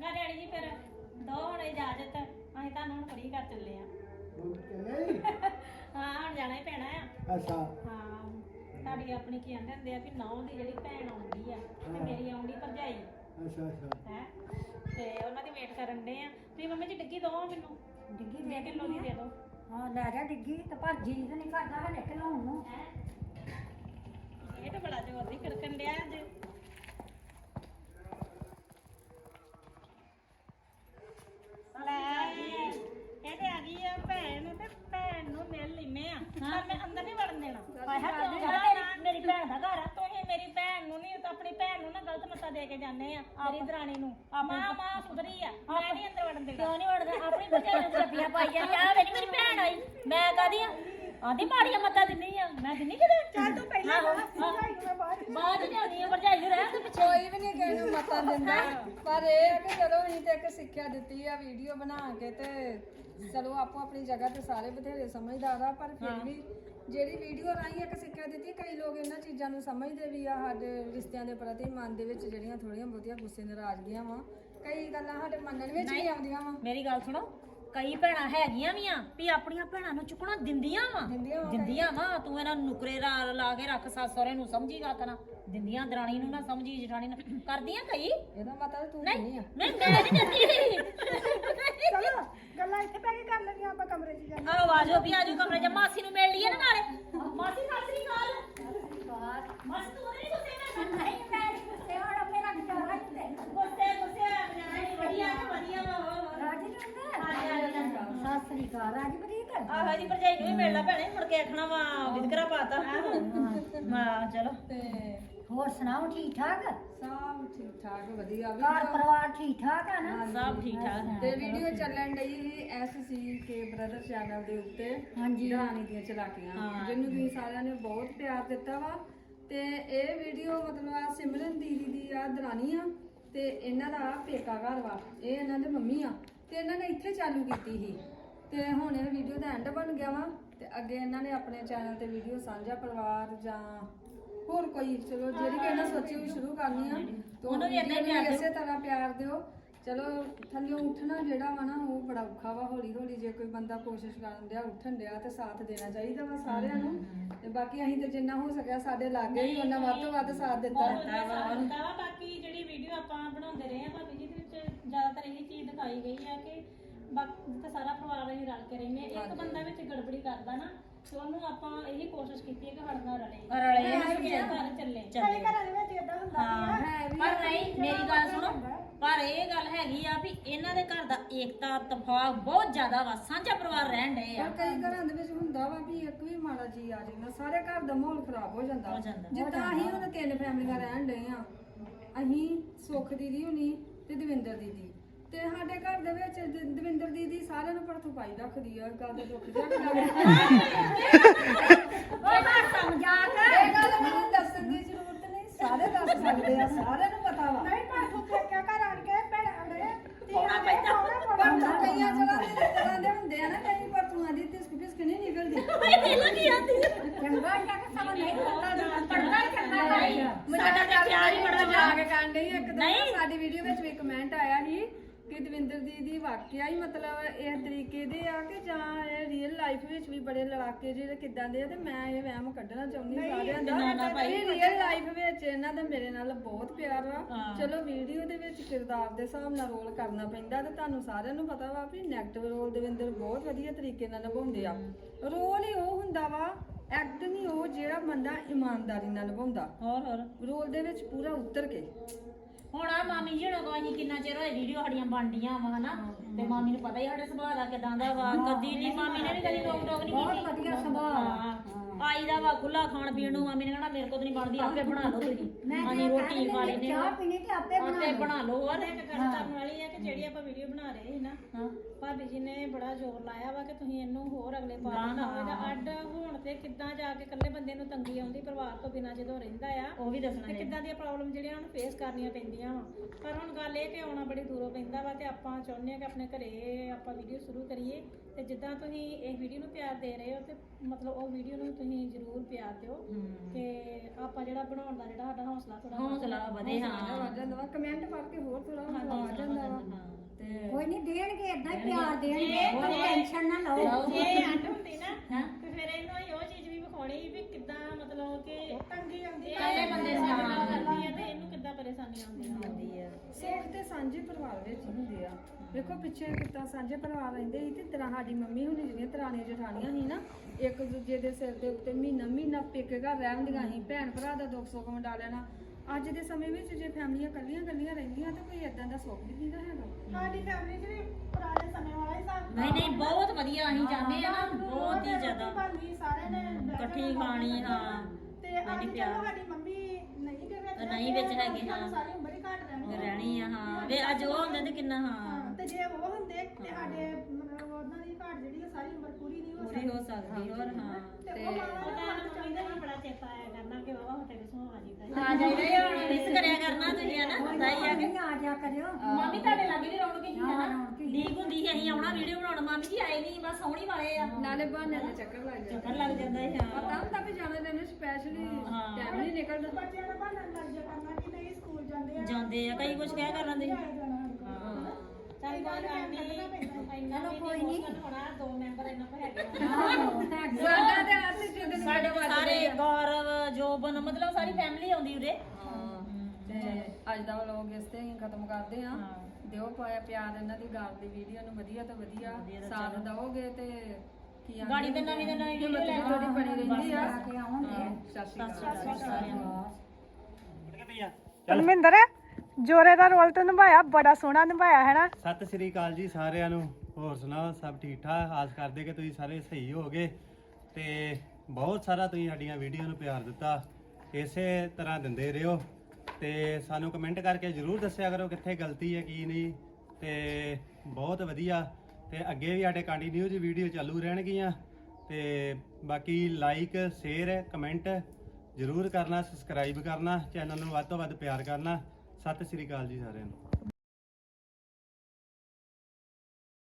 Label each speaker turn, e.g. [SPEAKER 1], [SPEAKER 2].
[SPEAKER 1] ਚੰਗਾ ਡੈਡੀ ਜੀ ਫਿਰ ਦੋ ਹੁਣ ਇਜਾਜ਼ਤ ਅਸੀਂ ਤੁਹਾਨੂੰ ਹੁਣ ਫਰੀ ਕਰ ਚੱਲੇ ਆ ਹਾਂ ਹੁਣ ਜਾਣਾ ਹੀ ਪੈਣਾ ਆ
[SPEAKER 2] ਅੱਛਾ
[SPEAKER 1] ਹਾਂ ਸਾਡੀ ਆਪਣੀ ਕੀ ਕਹਿੰਦੇ ਹੁੰਦੇ ਆ ਵੀ ਨੌਂ ਦੀ ਜਿਹੜੀ ਭੈਣ ਆਉਂਦੀ ਆ ਤੇ ਮੇਰੀ ਆਉਂਦੀ ਭਰਜਾਈ
[SPEAKER 2] ਅੱਛਾ ਅੱਛਾ
[SPEAKER 1] ਹੈ ਤੇ ਉਹਨਾਂ ਦੀ ਵੇਟ ਕਰਨ ਦੇ ਆ ਤੁਸੀਂ ਮੰਮੀ ਜੀ ਡਿੱਗੀ ਦੋ ਮੈਨੂੰ
[SPEAKER 3] ਡਿੱਗੀ
[SPEAKER 1] 2 ਕਿਲੋ ਦੀ ਦੇ ਦਿਓ
[SPEAKER 3] ਹਾਂ ਲੈ ਜਾ ਡਿੱਗੀ ਤੇ ਪਰ ਜੀ ਨਹੀਂ ਕਰਦਾ ਹਲੇ ਖਿਲਾਉਣ ਨੂੰ
[SPEAKER 1] ਇਹ ਤਾਂ ਬੜਾ ਜ਼ੋਰ ਦੀ ਖੜਕਣ ਡਿਆ ਅੱਜ ਲੈ ਇਹ ਤੇ ਆ ਗਈ ਆ ਭੈਣ ਤੇ ਭੈਣ ਨੂੰ ਮਿਲ ਲੈਨੇ ਆ ਪਰ ਮੈਂ ਅੰਦਰ ਨਹੀਂ ਵੜਨ ਦੇਣਾ ਮੇਰੀ ਭੈਣ ਦਾ ਘਰ ਆ ਤੁਸੀਂ ਮੇਰੀ ਭੈਣ ਨੂੰ ਨਹੀਂ ਤਾਂ ਆਪਣੀ ਭੈਣ ਨੂੰ ਨਾ ਗਲਤ ਮੱਤਾ ਦੇ ਕੇ ਜਾਂਦੇ ਆ ਮੇਰੀ ਦਰਾਣੀ ਨੂੰ ਮਾਂ ਸੁਧਰੀ ਆ ਮੈਂ ਨਹੀਂ ਅੰਦਰ ਵੜਨ ਦੇਣਾ
[SPEAKER 3] ਕਿਉਂ ਨਹੀਂ ਵੜਦਾ ਆਪਣੀ ਬੱਚੇ ਨੂੰ ਜੱਪੀਆਂ ਪਾਈ ਜਾਂਦੀ ਆ ਮੇਰੀ ਭੈਣ ਆਈ ਮੈਂ ਕਾਦੀ ਆ ਆਂਦੀ ਮਾੜੀਆਂ ਮੱਤਾਂ ਦਿੰਨੀ ਆ ਮੈਂ ਦਿੰਨੀ ਕਿਤੇ ਚੱਲ ਤੂੰ ਪਹਿਲਾਂ ਬਾਅਦ ਚ ਆਉਂਦੀ ਆ ਭਰਜਾਈ ਨੂੰ ਰਹਿ ਤੇ ਪਿੱਛੇ
[SPEAKER 4] ਕੋਈ ਵੀ ਨਹੀਂ ਕਿਸੇ ਨੂੰ ਮਤਾਂ ਦਿੰਦਾ ਪਰ ਇਹ ਹੈ ਕਿ ਚਲੋ ਅਸੀਂ ਤੇ ਇੱਕ ਸਿੱਖਿਆ ਦਿੱਤੀ ਆ ਵੀਡੀਓ ਬਣਾ ਕੇ ਤੇ ਚਲੋ ਆਪੋ ਆਪਣੀ ਜਗ੍ਹਾ ਤੇ ਸਾਰੇ ਬਥੇਰੇ ਸਮਝਦਾਰ ਆ ਪਰ ਫਿਰ ਵੀ ਜਿਹੜੀ ਵੀਡੀਓ ਰਾਹੀਂ ਇੱਕ ਸਿੱਖਿਆ ਦਿੱਤੀ ਕਈ ਲੋਕ ਇਹਨਾਂ ਚੀਜ਼ਾਂ ਨੂੰ ਸਮਝਦੇ ਵੀ ਆ ਸਾਡੇ ਰਿਸ਼ਤਿਆਂ ਦੇ ਪ੍ਰਤੀ ਮਨ ਦੇ ਵਿੱਚ ਜਿਹੜੀਆਂ ਥੋੜੀਆਂ ਬਹੁਤੀਆਂ ਗੁੱਸੇ ਨਾਰਾਜ਼ਗੀਆਂ ਵਾ ਕਈ ਗੱਲਾਂ ਸਾਡੇ ਮੰਨਣ ਵਿੱਚ ਨਹੀਂ ਆਉਂਦੀਆਂ ਵਾ
[SPEAKER 3] ਮੇਰੀ ਗੱਲ ਸੁਣੋ ਕਈ ਭੈਣਾਂ ਹੈਗੀਆਂ ਵੀ ਆ ਵੀ ਆਪਣੀਆਂ ਭੈਣਾਂ ਨੂੰ ਚੁੱਕਣਾ ਦਿੰਦੀਆਂ ਵਾ ਤੂੰ ਇਹਨਾਂ ਨੂੰ ਨੁਕਰੇ ਲਾ ਕੇ ਰੱਖ ਸੱਸ ਸਹੁਰੇ ਨੂੰ ਸਮਝੀ ਗੱਲ ਕਰਾਂ ਦਿੰਦੀਆਂ ਦਰਾਣੀ ਨੂੰ ਨਾ ਸਮਝੀ ਜਠਾਣੀ ਨੂੰ ਕਰਦੀਆਂ ਕਈ
[SPEAKER 4] ਇਹਦਾ ਮਤਲਬ ਤੂੰ ਨਹੀਂ ਆ
[SPEAKER 3] ਨਹੀਂ ਮੈਂ ਨਹੀਂ ਦਿੰਦੀ
[SPEAKER 4] ਚਲੋ ਗੱਲਾਂ ਇੱਥੇ ਬੈ ਕੇ ਕਰ ਲੈਣੀਆਂ ਆਪਾਂ ਕਮਰੇ 'ਚ ਜਾ
[SPEAKER 3] ਆਓ ਆਜੋ ਵੀ ਆਜੋ ਕਮਰੇ 'ਚ ਮਾਸੀ ਨੂੰ ਮਿਲ ਲਈਏ ਨਾ ਨਾਲੇ ਮਾਸੀ ਸਤਿ ਸ੍ਰੀ ਅਕਾਲ ਮਾਸੀ ਤੂੰ ਨਹੀਂ ਗੁੱਸੇ ਨਾਲ ਨਹੀਂ ਮੈਂ ਨਹੀਂ ਗੁੱਸੇ ਹੁਣ ਮੇਰਾ ਵਿਚਾਰਾ ਗੁੱਸੇ ਵਧੀਆ ਰਾਜੀ ਨੂੰ ਸਤਿ ਸ੍ਰੀ ਅਕਾਲ ਰਾਜੀ ਪ੍ਰੀਤ
[SPEAKER 1] ਆਹੋ ਜੀ ਭਰਜਾਈ ਨੂੰ ਵੀ ਮਿਲਣਾ ਭੈਣੇ ਮੁੜ ਕੇ ਆਖਣਾ ਵਾ ਵਿਦਕਰਾ ਪਾਤਾ ਹਾਂ ਚਲੋ
[SPEAKER 4] ਤੇ
[SPEAKER 3] ਹੋਰ ਸੁਣਾਓ ਠੀਕ ਠਾਕ
[SPEAKER 4] ਸਭ ਠੀਕ ਠਾਕ ਵਧੀਆ
[SPEAKER 3] ਘਰ ਪਰਿਵਾਰ ਠੀਕ ਠਾਕ ਆ ਨਾ
[SPEAKER 1] ਸਭ ਠੀਕ ਠਾਕ
[SPEAKER 4] ਤੇ ਵੀਡੀਓ ਚੱਲਣ ਡਈ ਸੀ SCK ਬ੍ਰਦਰ ਚੈਨਲ ਦੇ ਉੱਤੇ
[SPEAKER 3] ਹਾਂਜੀ
[SPEAKER 4] ਦਰਾਣੀ ਦੀਆਂ ਚਲਾਕੀਆਂ ਜਿਹਨੂੰ ਤੁਸੀਂ ਸਾਰਿਆਂ ਨੇ ਬਹੁਤ ਪਿਆਰ ਦਿੱਤਾ ਵਾ ਤੇ ਇਹ ਵੀਡੀਓ ਮਤਲਬ ਆ ਸਿਮਰਨ ਦੀਦੀ ਦੀ ਆ ਦਰਾਣੀ ਆ ਤੇ ਇਹਨਾਂ ਦਾ ਪੇਕਾ ਘਰ ਵਾ ਇਹ ਇਹਨਾਂ ਦੇ ਮੰਮੀ ਆ ਤੇ ਇਹਨਾਂ ਨੇ ਇੱਥੇ ਚਾਲੂ ਕੀਤੀ ਸੀ ਤੇ ਹੁਣ ਇਹ ਵੀਡੀਓ ਦਾ ਐਂਡ ਬਣ ਗਿਆ ਵਾ ਤੇ ਅੱਗੇ ਇਹਨਾਂ ਨੇ ਆਪਣੇ ਚੈਨਲ ਤੇ ਵੀਡੀਓ ਸਾਂਝਾ ਪਰਿਵਾਰ ਜਾਂ ਹੋਰ ਕੋਈ ਚਲੋ ਜਿਹੜੀ ਕਿ ਇਹਨਾਂ ਸੋਚੀ ਹੋਈ ਸ਼ੁਰੂ ਕਰਨੀ ਆ ਤੇ ਉਹਨੂੰ ਵੀ ਇਸੇ ਤਰ੍ਹਾਂ ਪਿਆਰ ਦਿਓ ਚਲੋ ਥੱਲੇ ਉੱਠਣਾ ਜਿਹੜਾ ਵਾ ਨਾ ਉਹ ਬੜਾ ਔਖਾ ਵਾ ਹੌਲੀ ਹੌਲੀ ਜੇ ਕੋਈ ਬੰਦਾ ਕੋਸ਼ਿਸ਼ ਕਰਨ ਡਿਆ ਉੱਠਣ ਡਿਆ ਤੇ ਸਾਥ ਦੇਣਾ ਚਾਹੀਦਾ ਵਾ ਸਾਰਿਆਂ ਨੂੰ ਤੇ ਬਾਕੀ ਅਸੀਂ ਤੇ ਜਿੰਨਾ ਹੋ ਸਕਿਆ ਸਾਡੇ ਲਾਗੇ ਹੀ ਉਹਨਾਂ ਵੱਧ ਤੋਂ ਵੱਧ ਸਾਥ ਦਿੱਤਾ
[SPEAKER 1] ਵਾ ਬਾਕੀ ਜਿਹੜੀ ਵੀਡੀਓ ਆਪਾਂ ਬਣਾਉਂਦੇ ਰਹੇ ਆ ਭਾਬੀ ਜੀ ਦੇ ਵਿੱਚ ਜ਼ਿਆਦਾਤਰ ਇਹ ਚੀਜ਼ ਦਿਖਾਈ ਗਈ ਆ ਕਿ ਬਾਕੀ ਤਾਂ ਸਾਰਾ ਪਰਿਵਾਰ ਅਸੀਂ ਰਲ ਕੇ ਰਹਿੰਦੇ ਇੱਕ ਬੰਦਾ ਵਿੱਚ ਗੜਬੜੀ ਕਰਦਾ ਨਾ ਤੇ ਉਹਨੂੰ ਆਪਾਂ ਇਹੀ ਕੋਸ਼ਿਸ਼ ਕੀਤੀ ਹੈ ਕਿ ਸਾਡੇ ਨਾਲ ਰਲੇ ਘਰ ਚੱਲੇ
[SPEAKER 3] ਕਈ ਘਰਾਂ ਦੇ ਵਿੱਚ ਇਦਾਂ ਹੁੰਦਾ ਪਰ ਨਹੀਂ ਮੇਰੀ ਗੱਲ ਸੁਣੋ ਪਰ ਇਹ ਗੱਲ ਹੈਗੀ ਆ ਵੀ ਇਹਨਾਂ ਦੇ ਘਰ ਦਾ ਏਕਤਾ ਇਤਫਾਕ ਬਹੁਤ ਜ਼ਿਆਦਾ ਵਾ ਸਾਂਝਾ ਪਰਿਵਾਰ ਰਹਿਣ ਡਏ ਆ
[SPEAKER 4] ਕਈ ਘਰਾਂ ਦੇ ਵਿੱਚ ਹੁੰਦਾ ਵਾ ਵੀ ਇੱਕ ਵੀ ਮਾੜਾ ਜੀ ਆ ਜਾਂਦਾ ਸਾਰੇ ਘਰ ਦਾ ਮਾਹੌਲ ਖਰਾਬ ਹੋ ਜਾਂਦਾ ਜਿੱਦਾਂ ਅਸੀਂ ਹੁਣ 3 ਫੈਮਲੀਆਂ ਰਹਿਣ ਡਏ ਆ ਅਸੀਂ ਸੁੱਖ ਦੀਦੀ ਹੁਣੀ ਤੇ ਦਵਿੰਦਰ ਦੀਦੀ ਤੇ ਸਾਡੇ ਘਰ ਦੇ ਵਿੱਚ ਦਵਿੰਦਰ ਦੀਦੀ ਸਾਰਿਆਂ ਨੂੰ ਪਰਥੂ ਪਾਈ ਰੱਖਦੀ ਆ ਗੱਲ ਦੇ ਦੁੱਖ ਜਿਹਾ
[SPEAKER 3] ਸਮਝਾ
[SPEAKER 4] ਇਹ ਗੱਲ ਮੈਨੂੰ ਦੱਸਣ ਦੀ ਜ਼ਰੂਰਤ ਨਹੀਂ ਸਾਰੇ ਦੱਸ ਸਕਦੇ ਆ ਸਾਰਿਆਂ ਨੂੰ ਪਤਾ ਵਾ
[SPEAKER 5] ਨਹੀਂ ਪਰਥੂ ਪੇਕਿਆ ਘਰ ਆਣ ਕੇ ਭੈਣਾਂ
[SPEAKER 3] ਹੋਣਾ ਪੈਂਦਾ
[SPEAKER 4] ਪਰਥੂ ਕਈਆਂ ਜਗ੍ਹਾ ਤੇ ਤਰ੍ਹਾਂ ਦੇ ਹੁੰਦੇ ਆ ਨਾ ਕਈ ਪਰਥੂਆਂ ਦੀ ਤਿਸਕ ਫਿਸਕ ਨਹੀਂ ਨਿਕਲਦੀ
[SPEAKER 3] ਇਹ ਲੱਗੀ ਆਂਦੀ ਚੰਗਾ ਤੱਕ ਸਮਝ ਨਹੀਂ ਪੜਦਾ ਚੰਗਾ ਭਾਈ
[SPEAKER 4] ਸਾਡਾ ਤਾਂ ਪਿਆਰ ਹੀ ਬੜਾ ਲਾ ਕੇ ਕਾਂਡੇ ਇੱਕ ਦਿਨ ਸਾਡੀ ਵੀਡੀਓ ਵਿੱਚ ਵੀ ਕਮੈਂਟ ਆਇਆ ਸੀ ਕਿ ਦਵਿੰਦਰ ਦੀਦੀ ਵਾਕਿਆ ਹੀ ਮਤਲਬ ਇਸ ਤਰੀਕੇ ਦੇ ਆ ਕਿ ਜਾਂ ਇਹ ਰੀਅਲ ਲਾਈਫ ਵਿੱਚ ਵੀ ਬੜੇ ਲੜਾਕੇ ਜਿਹੜੇ ਕਿਦਾਂ ਦੇ ਆ ਤੇ ਮੈਂ ਇਹ ਵਹਿਮ ਕੱਢਣਾ ਚਾਹੁੰਦੀ ਸਾਰਿਆਂ ਦਾ ਇਹ ਰੀਅਲ ਲਾਈਫ ਵਿੱਚ ਇਹਨਾਂ ਦਾ ਮੇਰੇ ਨਾਲ ਬਹੁਤ ਪਿਆਰ ਵਾ ਚਲੋ ਵੀਡੀਓ ਦੇ ਵਿੱਚ ਕਿਰਦਾਰ ਦੇ ਹਿਸਾਬ ਨਾਲ ਰੋਲ ਕਰਨਾ ਪੈਂਦਾ ਤੇ ਤੁਹਾਨੂੰ ਸਾਰਿਆਂ ਨੂੰ ਪਤਾ ਵਾ ਵੀ ਨੈਗੇਟਿਵ ਰੋਲ ਦਵਿੰਦਰ ਬਹੁਤ ਵਧੀਆ ਤਰੀਕੇ ਨਾਲ ਨਿਭਾਉਂਦੇ ਆ ਰੋਲ ਹੀ ਉਹ ਹੁੰਦਾ ਵਾ ਐਕਟ ਨਹੀਂ ਉਹ ਜਿਹੜਾ ਬੰਦਾ ਇਮਾਨਦਾਰੀ ਨਾਲ ਨਿਭਾਉਂਦਾ
[SPEAKER 1] ਹੋਰ
[SPEAKER 4] ਰੋਲ ਦੇ ਵਿੱਚ ਪੂਰਾ ਉਤਰ ਕੇ
[SPEAKER 3] ਹੁਣ ਆ ਮਾਮੀ ਜੀ ਨੂੰ ਅਸੀਂ ਕਿੰਨਾ ਚਿਰ ਹੋਇਆ ਵੀਡੀਓ ਸਾਡੀਆਂ ਬਣਦੀਆਂ ਵਾ ਹਨਾ ਤੇ ਮਾਮੀ ਨੂੰ ਪਤਾ ਹੀ ਸਾਡੇ ਸੁਭਾਅ ਦਾ ਕਿਦਾਂ ਦਾ ਵਾ ਕਦੀ ਨਹੀਂ ਮਾਮੀ ਨੇ ਵੀ ਕਦੀ ਰੋਕ ਟੋਕ ਨਹੀਂ ਕੀਤੀ
[SPEAKER 4] ਬਹੁਤ ਵਧੀਆ ਸੁਭਾਅ
[SPEAKER 3] ਆਈ ਦਾ ਵਾ ਖੁੱਲਾ ਖਾਣ ਪੀਣ ਨੂੰ ਮਾਮੀ ਨੇ ਕਹਿਣਾ ਮੇਰੇ ਕੋਲ ਤਾਂ ਨਹੀਂ ਬਣਦੀ ਆਪੇ ਬਣਾ ਲਓ ਤੁਸੀਂ ਅਸੀਂ ਰੋਟੀ ਖਾ ਲੈਨੇ
[SPEAKER 5] ਚਾਹ ਪੀਣੀ ਤੇ ਆਪੇ
[SPEAKER 3] ਬਣਾ ਲਓ ਔਰ
[SPEAKER 1] ਇੱਕ ਗੱਲ ਕਰਨ ਵਾਲੀ ਹੈ ਕਿ ਜਿਹੜੀ ਆਪਾਂ ਵੀਡੀਓ ਬਣਾ ਰਹੇ ਸੀ ਨਾ ਭਾਬੀ ਜੀ ਨੇ ਬੜਾ ਜ਼ੋਰ ਲਾਇਆ ਵਾ ਕਿ ਤੁਸੀਂ ਇਹਨੂੰ ਹੋਰ ਅਗਲੇ ਪਾਸੇ ਨਾ ਇਹਦਾ ਅੱਡ ਹੋਣ ਤੇ ਕਿੱਦਾਂ ਜਾ ਕੇ ਇਕੱਲੇ ਬੰਦੇ ਨੂੰ ਤੰਗੀ ਆਉਂਦੀ ਪਰਿਵਾਰ ਤੋਂ ਬਿਨਾਂ ਜਦੋਂ ਰਹਿੰਦਾ ਆ
[SPEAKER 3] ਉਹ ਵੀ ਦੱਸਣਾ
[SPEAKER 1] ਤੇ ਕਿੱਦਾਂ ਦੀਆਂ ਪ੍ਰੋਬਲਮ ਜਿਹੜੀਆਂ ਉਹਨੂੰ ਫੇਸ ਕਰਨੀਆਂ ਪੈਂਦੀਆਂ ਵਾ ਪਰ ਹੁਣ ਗੱਲ ਇਹ ਕਿ ਆਉਣਾ ਬੜੀ ਦੂਰੋਂ ਪੈਂਦਾ ਵਾ ਤੇ ਆਪਾਂ ਚਾਹੁੰਦੇ ਆ ਕਿ ਆਪਣੇ ਘਰੇ ਆਪਾਂ ਵੀਡੀਓ ਸ਼ੁਰੂ ਕਰੀਏ ਤੇ ਜਿੱਦਾਂ ਤੁਸੀਂ ਇਹ ਵੀਡੀਓ ਨੂੰ ਪਿਆਰ ਦੇ ਰਹੇ ਹੋ ਤੇ ਮਤਲਬ ਉਹ ਵੀਡੀਓ ਨੂੰ ਤੁਸੀਂ ਜ਼ਰੂਰ ਪਿਆਰ ਦਿਓ ਤੇ ਆਪਾਂ ਜਿਹੜਾ ਬਣਾਉਣ ਦਾ ਜਿਹੜਾ ਸਾਡਾ ਹੌਸਲਾ ਥੋੜਾ
[SPEAKER 3] ਹੌਸਲਾ ਵਧੇ ਹਾਂ
[SPEAKER 4] ਵੱਧ ਜਾਂਦਾ ਵਾ ਕਮੈਂਟ ਪੜ੍ਹ ਕੇ ਹੋਰ ਥੋੜਾ ਹੌਸਲਾ ਆ ਜਾਂਦਾ ਵਾ ਤੇ
[SPEAKER 5] ਕੋਈ ਨਹੀਂ ਦੇਣਗੇ ਇਦਾਂ ਹੀ ਪਿਆਰ ਦੇਣਗੇ ਕੋਈ ਟੈਨਸ਼ਨ ਨਾ ਲਓ
[SPEAKER 1] ਜੇ ਅੱਡ ਹੁੰਦੀ ਨਾ ਤੇ ਫਿਰ ਇਹਨੂੰ ਅਸੀਂ ਉਹ ਚੀਜ਼ ਵੀ ਵਿਖਾਉਣੀ ਵੀ ਕਿੱਦਾਂ ਮਤਲਬ ਕਿ ਤੰਗੀ ਆਉਂਦੀ
[SPEAKER 3] ਇਕੱਲੇ ਬੰਦੇ ਨੂੰ
[SPEAKER 1] ਕਰਦੀ ਹੈ ਤੇ ਇਹਨੂੰ ਕਿੱਦਾਂ ਪਰੇਸ਼ਾਨੀ ਆਉਂਦੀ ਹੈ
[SPEAKER 4] ਸੁੱਖ ਤੇ ਸਾਂਝੇ ਪਰਿਵਾਰ ਵਿੱਚ ਹੀ ਹੁੰਦੇ ਆ ਵੇਖੋ ਪਿੱਛੇ ਕਿੱਦਾਂ ਸਾਂਝੇ ਪਰਿਵਾਰ ਰਹਿੰਦੇ ਸੀ ਤੇ ਤਰ੍ਹਾਂ ਸਾਡੀ ਮੰਮੀ ਹੁਣੀ ਜਿਹੜੀਆਂ ਤਰਾਣੀਆਂ ਜਠਾਣੀਆਂ ਸੀ ਨਾ ਇੱਕ ਦੂਜੇ ਦੇ ਸਿਰ ਦੇ ਉੱਤੇ ਮਹੀਨਾ ਪੇਕੇ ਘਰ ਰਹਿੰਦੀਆਂ ਸੀ ਭੈਣ ਭਰਾ ਦਾ ਦੁੱਖ ਸੁੱਖ ਵੰਡਾ ਲੈਣਾ ਅੱਜ ਦੇ ਸਮੇਂ ਵਿੱਚ ਜੇ ਫੈਮਲੀਆਂ ਕੱਲੀਆਂ ਰਹਿੰਦੀਆਂ ਤਾਂ ਕੋਈ ਇਦਾਂ ਦਾ ਸੁੱਖ ਵੀ ਨਹੀਂ ਹੈਗਾ
[SPEAKER 5] ਸਾਡੀ ਫੈਮਿਲੀ 'ਚ ਵੀ ਪੁਰਾਣੇ ਸਮੇਂ ਵਾਲਾ ਹੀ ਸਭ
[SPEAKER 3] ਨਹੀਂ ਬਹੁਤ ਵਧੀਆ ਅਸੀਂ ਜਾਂਦੇ ਆ ਨਾ ਬਹੁਤ ਹੀ ਜ਼ਿਆਦਾ
[SPEAKER 5] ਭਾਂਜੀ ਸਾਰਿਆਂ ਨੇ ਬਹਿ ਕੇ
[SPEAKER 3] ਇਕੱਠੀ ਖਾਣੀ ਹਾਂ
[SPEAKER 5] ਤੇ ਅੱਜ ਚਲੋ ਸਾਡੀ ਮੰਮੀ ਨਹੀਂ ਦੇ ਵਿੱਚ
[SPEAKER 3] ਨਹੀਂ ਵਿੱਚ ਹੈਗੀ, ਹਾਂ।
[SPEAKER 5] ਸਾਰੀ ਉਮਰ ਹੀ ਘੱਟ ਰਹਿਣੀ
[SPEAKER 3] ਰਹਿਣੀ ਆ ਹਾਂ ਵੇ ਅੱਜ ਉਹ ਹੁੰਦੇ ਤੇ ਕਿੰਨਾ ਹਾਂ
[SPEAKER 5] ਤੇ ਜੇ ਉਹ ਹੁੰਦੇ ਤੇ ਸਾਡੇ ਮਤਲਬ ਉਹਨਾਂ ਦੀ ਘਾਟ ਜਿਹੜੀ ਆ ਸਾਰੀ ਉਮਰ ਪੂਰੀ ਨਹੀਂ ਹੋ
[SPEAKER 3] ਪੂਰੀ ਹੋ ਸਕਦੀ ਹੋਰ ਹਾਂ
[SPEAKER 5] ਤੇ ਉਹ ਮਾਂ
[SPEAKER 1] ਉਹਦਾ ਮੰਮੀ ਦਾ ਵੀ ਬੜਾ ਚੇਤਾ ਆਇਆ ਕਰਨਾ ਕਿ ਬਾਬਾ ਹੁਣ ਤੇਰੇ ਸੋਹ ਆ ਜੀਦਾ
[SPEAKER 3] ਆ ਜਾਈਦਾ ਹੁਣ ਮਿਸ ਕਰਿਆ ਕਰਨਾ ਤੁਸੀਂ ਹਨਾ ਹੁੰਦਾ ਹੀ ਆ ਕਿ
[SPEAKER 5] ਆ ਜਾ ਕਰਿਓ
[SPEAKER 3] ਮਾਮੀ ਤੁਹਾਡੇ ਲਾਗੇ ਵੀ ਰੌਣਕ ਹੀ
[SPEAKER 5] ਹਾਂ,
[SPEAKER 3] ਹੈ
[SPEAKER 5] ਰੌਣਕ ਹੀ।
[SPEAKER 3] ਲੀਕ ਹੁੰਦੀ ਸੀ ਅਸੀਂ ਆਉਣਾ ਵੀਡੀਓ ਬਣਾਉਣ ਮਾਮੀ ਜੀ ਆਏ ਨਹੀਂ ਬਸ ਆਉਣੀ ਵਾਲੇ ਆ
[SPEAKER 4] ਨਾਲੇ ਬਹਾਨੇ ਦੇ ਚੱਕਰ ਲੱਗ ਜਾਂਦੇ
[SPEAKER 3] ਚੱਕਰ ਲੱਗ ਜਾਂਦਾ ਸੀ ਹਾਂ
[SPEAKER 4] ਪਤਾ ਹੁੰਦਾ ਵੀ ਜਾਣਾ ਤੈਨੂੰ ਸਪੈਸ਼ਲੀ ਟਾਈਮ ਨਹੀਂ ਨਿਕਲਦਾ
[SPEAKER 5] ਬੱਚਿਆਂ ਦਾ ਬਹਾਨਾ ਲੱਗ ਜਾ ਕਰਨਾ ਕਿ ਨਹੀਂ ਸਕੂਲ ਜਾਂਦੇ ਆ
[SPEAKER 3] ਜਾਂਦੇ ਆ ਕਈ ਕੁਝ ਕਹਿ ਕਰ ਲੈਂਦੇ
[SPEAKER 1] ਚੱਲ ਕੋਈ ਗੱਲ ਨਹੀਂ ਇੰਨਾ ਕੋਈ ਨਹੀਂ ਹੋਣਾ 2 ਮੈਂਬਰ ਇੰਨਾ ਕੋ ਹੈਗੇ
[SPEAKER 4] ਸਾਡਾ ਤੇ ਹੱਥ ਚ ਜਦੋਂ
[SPEAKER 3] ਸਾਡੇ ਕੋਲ ਸਾਰੇ ਗੌਰਵ ਜੋਬਨ ਮਤਲਬ ਸਾਰੀ ਫੈਮਿਲੀ ਆਉਂਦੀ ਉਰੇ
[SPEAKER 4] ਤੇ ਅੱਜ ਦਾ ਵਲੋਗ ਇਸ ਤੇ ਹੀ ਖਤਮ ਕਰਦੇ ਆ ਦਿਓ ਪਾਇਆ ਪਿਆਰ ਇਹਨਾਂ ਦੀ ਗਾਲ ਦੀ ਵੀਡੀਓ ਨੂੰ ਵਧੀਆ ਤੋਂ ਵਧੀਆ ਸਾਥ ਦਵੋਗੇ ਤੇ ਕੀ ਆਂਦੇ
[SPEAKER 3] ਗਾੜੀ ਤੇ ਨਵੀਂ ਵੀਡੀਓ ਲੈ
[SPEAKER 4] ਥੋੜੀ ਬਣੀ ਰਹਿੰਦੀ ਆ
[SPEAKER 5] ਕੇ ਆਉਣਗੇ
[SPEAKER 4] ਸਤਿ ਸ਼੍ਰੀ ਅਕਾਲ
[SPEAKER 5] ਧਰਮਿੰਦਰ ਜੋਰੇ ਦਾ ਰੋਲ ਤੇ ਨਿਭਾਇਆ ਬੜਾ ਸੋਹਣਾ ਨਿਭਾਇਆ ਹੈ ਨਾ
[SPEAKER 2] ਸਤਿ ਸ੍ਰੀ ਅਕਾਲ ਜੀ ਸਾਰਿਆਂ ਨੂੰ। ਹੋਰ ਸੁਣਾਓ ਸਭ ਠੀਕ ਠਾਕ? ਆਸ ਕਰਦੇ ਕਿ ਤੁਸੀਂ ਸਾਰੇ ਸਹੀ ਹੋਗੇ ਤੇ ਬਹੁਤ ਸਾਰਾ ਤੁਸੀਂ ਸਾਡੀਆਂ ਵੀਡੀਓ ਨੂੰ ਪਿਆਰ ਦਿੱਤਾ, ਇਸੇ ਤਰ੍ਹਾਂ ਦਿੰਦੇ ਰਹੋ ਤੇ ਸਾਨੂੰ ਕਮੈਂਟ ਕਰਕੇ ਜਰੂਰ ਦੱਸਿਆ ਕਰੋ ਕਿੱਥੇ ਗਲਤੀ ਹੈ ਕੀ ਨਹੀਂ ਤੇ ਬਹੁਤ ਵਧੀਆ ਤੇ ਅੱਗੇ ਵੀ ਸਾਡੇ ਕੰਟੀਨਿਊਸ ਵੀਡੀਓ ਚਾਲੂ ਰਹਿਣਗੀਆਂ ਤੇ ਬਾਕੀ ਲਾਈਕ ਸ਼ੇਅਰ ਕਮੈਂਟ ਜਰੂਰ ਕਰਨਾ, ਸਬਸਕ੍ਰਾਈਬ ਕਰਨਾ, ਚੈਨਲ ਨੂੰ ਵੱਧ ਤੋਂ ਵੱਧ ਪਿਆਰ ਕਰਨਾ। ਸਤਿ ਸ੍ਰੀ ਅਕਾਲ ਜੀ ਸਾਰਿਆਂ ਨੂੰ।